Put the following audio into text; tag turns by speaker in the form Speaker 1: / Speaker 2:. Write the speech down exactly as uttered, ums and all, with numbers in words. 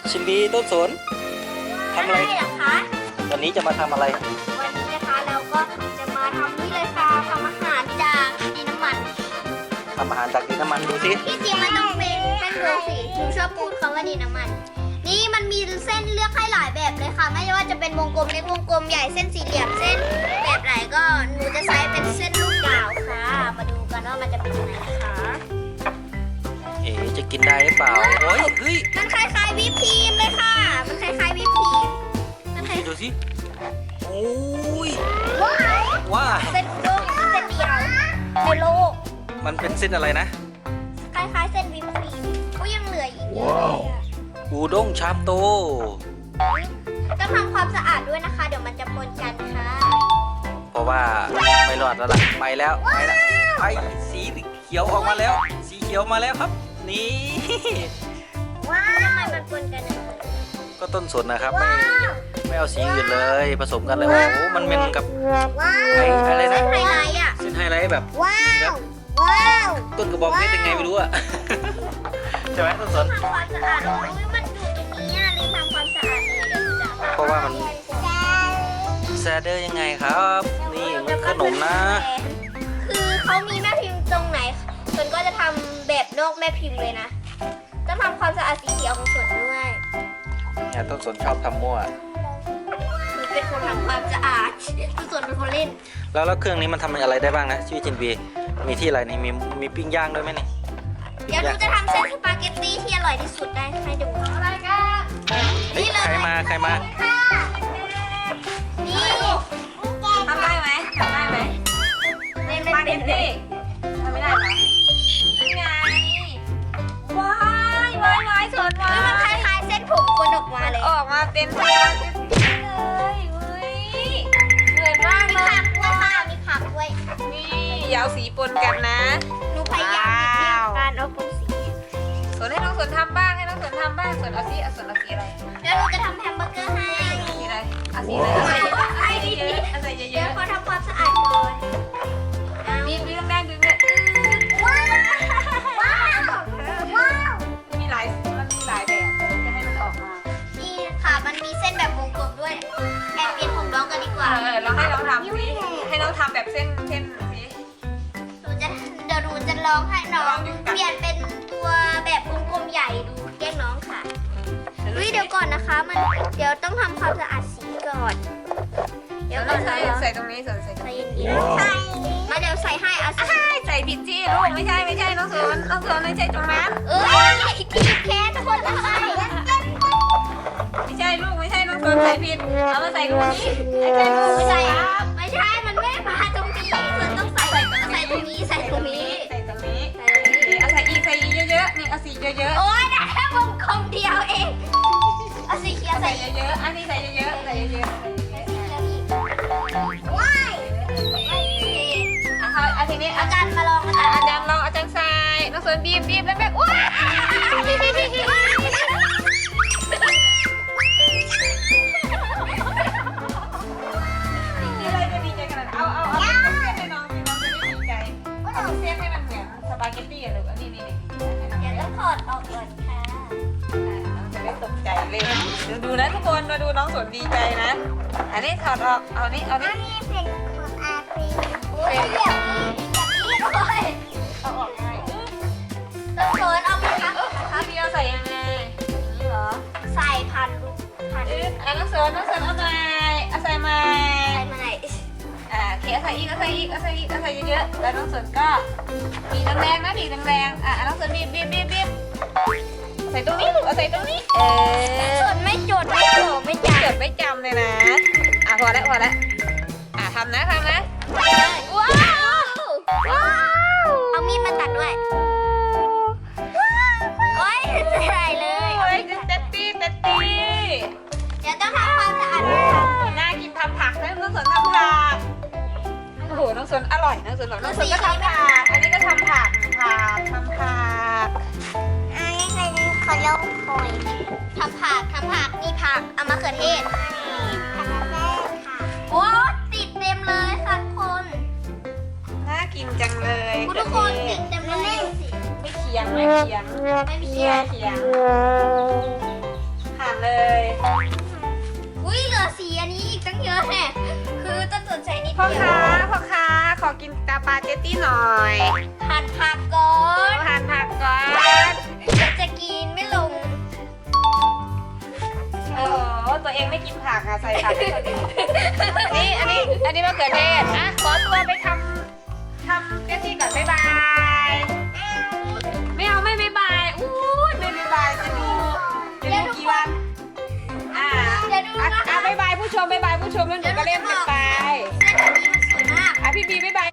Speaker 1: ชิมบีต้นสนทำอะไร
Speaker 2: เหรอคะ
Speaker 1: วันนี้จะมาทำอะไร
Speaker 2: วันนี้นะคะเราก็จะมาทำนี่เลยค่ะทำอาหารจากดินน้ำมัน
Speaker 1: ทำอาหารจากดินน้ำมันดูสิ
Speaker 2: ที่จริงมันต้องเป็นเป็นโรสีหนูชอบพูดคำว่าดินน้ำมัน นี่มันมีเส้นเลือกให้หลายแบบเลยค่ะ ไม่ว่าจะเป็นวงกลมเล็กวงกลมใหญ่เส้นสี่เหลี่ยมเส้นแบบไหนก็หนูจะใช้เป็นเส้นลูกดาวค่ะ มาดูกันว่ามันจะเป็นยังไงนะคะ
Speaker 1: เอ๋จะกินได้หรือเปล่าโอ้ยเฮ้ย
Speaker 2: มันคล้ายๆวิปครีมเลยค่ะ มันคล้ายๆวิปครีมมันคล้าย
Speaker 1: ดูสิโอ้ย
Speaker 2: ว้าว
Speaker 1: ว้า
Speaker 2: เส้นโลกเส้นเดียวในโลก
Speaker 1: มันเป็นเส้นอะไรนะ
Speaker 2: คล้ายๆเส้นวิปครีมก็ยังเหลืออีกเยอะเลยอะ
Speaker 1: อูด้งชามโต
Speaker 2: ต้องทำความสะอาดด้วยนะคะ เดี๋ยวมันจะปนกันค่ะ
Speaker 1: เพราะว่าไม่รอดแล้วล่ะไปแล้วไปแล้วไปสีเขียวออกมาแล้ว สีเขียวมาแล้วครับ นี่
Speaker 2: ว้าวทำไมมันปนกันอะ
Speaker 1: ก็ต้นสนนะครับไม่
Speaker 2: ว้าว
Speaker 1: ไม่เอาสีอื่นเลยผสมกันเลยโอ้โหมันเป็นกับ
Speaker 2: ว้าว
Speaker 1: ไอ้อะไรนะ
Speaker 2: เส้นไฮไลท์อ่ะ
Speaker 1: เส้นไฮไลท์แบบ
Speaker 2: ว้าว ว้าว
Speaker 1: ต้นกระบองเพชรยังไงไม่รู้อะ ใช่ไหมต้นสน
Speaker 2: ทำความสะอาดโอ้ยมันอยู่ตรงนี้อ่ะลืมทำความสะอาดเลยเดี๋ยวหนูจะ
Speaker 1: เพราะว่ามัน แซดเดอร์ยังไงครับ นี่มันขนมนะ
Speaker 2: คือเขามีแม่พิมพ์ตรงไหนส่วนก็จะทำแบบนอกแม่พิมพ์เลยนะต้องทำความสะอาดสีเขียวของส่วนด้วย
Speaker 1: เนี่ยต้นสนชอบทำมั่ว
Speaker 2: หนูเป็นคนทำความสะอาดส่วนเป็นคนเล่น
Speaker 1: แล้วแล้วเครื่องนี้มันทำอะไรได้บ้างนะชื่อจินบีมีที่อะไรนี่มีมีปิ้งย่างด้วยไหมนี่
Speaker 2: เดี๋ยวหนูจะทำเส้นสปาเกตตี้ที่อร่อยที่สุดได้ให้ดูอะไรกัน
Speaker 1: เฮ้ยใครมาใครมา
Speaker 2: นี่
Speaker 3: ทำได้ไหมทำได้ไหม
Speaker 2: เล่น
Speaker 3: สปา
Speaker 2: ไม่
Speaker 3: เก
Speaker 2: เป็น
Speaker 3: ตตี้ทำไม่ได้เหรอนี่ไงว้ายว้ายว้ายสวนว้า
Speaker 2: เฮ้ยมันค
Speaker 3: ย
Speaker 2: ล้ายๆเส้นผมคนออกมาเลย
Speaker 3: ออกมาเป็นสปาเกตตี้เลยเฮ้ยเหมือนมาก
Speaker 2: มี
Speaker 3: เลย
Speaker 2: ผักด้วยค่ะมีผักด้วย
Speaker 3: นี่อยาวสีปนกันนะ
Speaker 2: หนูพยายามหลีกเลี่ยงการเอาปนสี
Speaker 3: สวนให้น้องสวนทำบ้างให้น้องสวนทำบ้างสวนเอาสีเอาสวนเอาสีอะไร
Speaker 2: แล้วหนูจะทำแฮมเบอร์เกอร์ให้
Speaker 3: สีอะไรเอาสีอะไรเอาใส่เยอะเอาใส่เย
Speaker 2: เดี๋ยว
Speaker 3: อะ
Speaker 2: ขอทำความสะอาดก่อน
Speaker 3: ๆบีบบีบแรงๆดึงเนี่ย
Speaker 2: ว้าวว้าวว้าว
Speaker 3: มีหลายมันมีหลายแบบจะให้มันออกมา
Speaker 2: นี่ค่ะมันมีเส้นแบบวงกลมด้วยแอบเปลี่ยนผมน้องกันดีกว่า
Speaker 3: เออเราให้น้องทำสิให้น้องทำแบบเส้นเส้นสิ
Speaker 2: หนูจะเดี๋ยวหนูจะลองให้น้องเปลี่ยนเป็นตัวแบบวงกลมใหญ่ดูแกล้งน้องค่ะวิเดี๋ยวก่อนนะคะ มันเดี๋ยวต้องทำความสะอาดสีก่อน เดี๋ยวก่อน
Speaker 3: ใส่
Speaker 2: นะ
Speaker 3: ใส่ตรงนี้ใส่ใส่ตรง
Speaker 2: ใส่
Speaker 3: นี้
Speaker 2: เย็นๆใส่มาเดี๋ยวใส่ให้เอาสิ
Speaker 3: ใช่ใส่ผิดจี้ลูกไม่ใช่ไม่ใช่น้องสวนน้องสวนไม่ใช่ตรงนั้น
Speaker 2: เอ้ยทีบแค้นคนละใส่
Speaker 3: ไม่ใช่ลูกไม่ใช่น้องสวนใส่ผิดเอามาใส่ตรงนี้ไม่ใช่ลูกไม่
Speaker 2: ใส่
Speaker 3: ใช่ครับ
Speaker 2: ไม่ใช่ มันไม่มาตรงนี้มันต้องใส่ใส่ตรงนี้ใส่ตรงนี้
Speaker 3: ใส่ตรงนี้
Speaker 2: ใส่ตรงนี้
Speaker 3: เอาใส่อีกใส่อีกเยอะๆนี่เอาสีเยอะ
Speaker 2: โอ๊ยได้แค่วงกลมเดียวเองเอาสีเขียว
Speaker 3: ๆ
Speaker 2: ใส่
Speaker 3: ใส่เยอะๆอันนี้ใส่เยอะๆใส่เยอะ
Speaker 2: ว้าย
Speaker 3: ๆอ่ะเอาทีนี้
Speaker 2: อา
Speaker 3: อา
Speaker 2: จารย์มาลองอาจารย์
Speaker 3: อาจารย์ลองอาจารย์ใส่น้องสวนบีบบีบแล้วแบบว้าอะไรจะดีใจขนาดเอาเอาเอาเส้นให้น้องสิน้องจะได้ดีใจเอาเส้นให้มันเหมือนสปาเกตตี้อะลูกอันนี้นี่นี่
Speaker 2: เดี๋ยวต้องถอดออกก่อนค่ะ
Speaker 3: น้องจะได้ตกใจเลยดูดูนะทุกคนมาดูน้องสวนดีใจนะ อันนี้ถอดออกเอานี่เอานี่
Speaker 2: นี่เป็นของอาปีโอ้ยอย่างนี้อย่างนี้เลย
Speaker 3: เอาออกไง
Speaker 2: ต้องเขินเอาไหมคะ
Speaker 3: ครับพี่เอาใส่ยังไงนี่เหรอ
Speaker 2: ใส่พันลูกพัน
Speaker 3: อึ๊บอ่ะน้องสวนน้องสวนเอาใหม่เอาใส่ใหม่
Speaker 2: ใส่มาไหน
Speaker 3: อ่าโอเคเอาใส่อีกเอาใส่อีกเอาใส่อีกเอาใส่เยอะๆแล้วน้องสวนก็บีบแรงๆนะบีบแรงๆอ่ะน้องสวนบีบบีบบีบบีบใส่ตรงนี้ลูกเอาใส่ตรงนี้เออ
Speaker 2: ส่วนไม่จดไม่โผล่ไม่จั
Speaker 3: จ
Speaker 2: บ
Speaker 3: ดไม่จำเลยนะ อ่ะพอแล้วพอแล้วอ่ะทำนะทำนะ
Speaker 2: ว้าวว้าวเอามีดมาตัดด้วยโอ้ยใส่เลย
Speaker 3: โอ้ยเต็ดตี้เต็ดตี้
Speaker 2: เดี๋ยวต้องทำความสะอาดนะคะ
Speaker 3: น่ากินทำผักนะน้องสวนทำผัก โอ้โห น้องสวนอร่อยน้องสวนบอกน้องสวนก็ทำผัก อันนี้ก็ทำผักผักทำผัก
Speaker 2: อันนี้เป็นขนมโอยทำผักทำผักนี่ผักเอามะเขือเทศทำแม่ค่ะโอ้ติดเต็มเลยค่ะทุกคน
Speaker 3: น่ากินจังเลย
Speaker 2: คุณทุกคนติดเต็มเลยสิ
Speaker 3: ไม่เคียงไม่เคียง
Speaker 2: ไม่มี
Speaker 3: เคี
Speaker 2: เขี
Speaker 3: ย
Speaker 2: ย
Speaker 3: ง
Speaker 2: น
Speaker 3: เคียงผัเจตตี้หน่อย
Speaker 2: หั่นผักก่อน
Speaker 3: หั่นผักก่อน
Speaker 2: จะจะกินไม่ลง
Speaker 3: โอ้โหตัวเองไม่กินผักอะใส่ผักให้คนอื่นนี่อันนี้อันนี้มะเขือเทศอ่ะขอตัวไปทำทำเจตตี้ก่อนบ๊ายบายไม่เอาไม่บ๊ายบายอู้ยไม่บ๊ายบายจะดูจะดูกี่วันอ่า
Speaker 2: เดี๋ยวดู
Speaker 3: อ่ะ
Speaker 2: นะคะ
Speaker 3: อ่ะบ๊ายบายผู้ชมบ๊ายบายผู้ชมแล้วหนูก็เล่นกันไป
Speaker 2: เส้นแบบนี้มันสวยมาก
Speaker 3: อ่ะพี่บีบ๊ายบาย